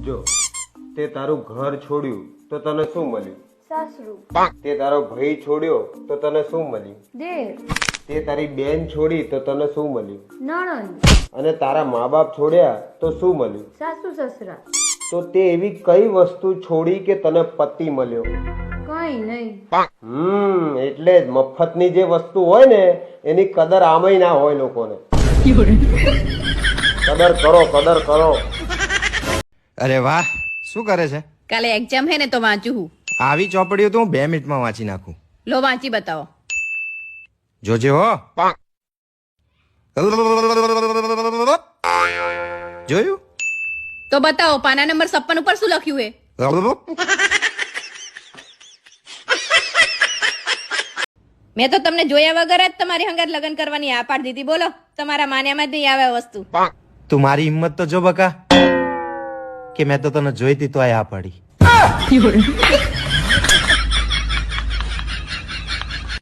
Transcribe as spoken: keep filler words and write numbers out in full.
જો તે તારું ઘર છોડ્યું તો તને શું મળ્યું? સાસરું. તે તારો ભાઈ છોડ્યો તો તને શું મળ્યું? દેર. તે તારી બેન છોડી તો તને શું મળ્યું? નણંદ. અને તારા મા બાપ છોડ્યા તો શું મળ્યું? સાસુ સસરા. તો તે એવી કઈ વસ્તુ છોડી કે તને પતિ મળ્યો? કઈ નહીં. હમ એટલે જ મફતની જે વસ્તુ હોય ને એની કદર આમય ના હોય લોકોને. કદર કરો, કદર કરો. અરે વાહ, શું કરે છે? કાલે એક્ઝામ હે ને તો વાંચું હું. આવી ચોપડીઓ તો હું બે મિનિટમાં વાંચી નાખું. લો વાંચી બતાવો. જોજે હો. જોયું? તો બતાવો પાના નંબર છપ્પન ઉપર શું લખ્યું હે? મેં તો તમને જોયા વગર જ તમારી હંગાત લગ્ન કરવાની આ પાડી દીધી. બોલો તમારા માન્યામાં જ નહીં આવે આ વસ્તુ. તું મારી હિંમત તો જો બકા, કે મેં તો તને જોઈતી તો આ પાડી.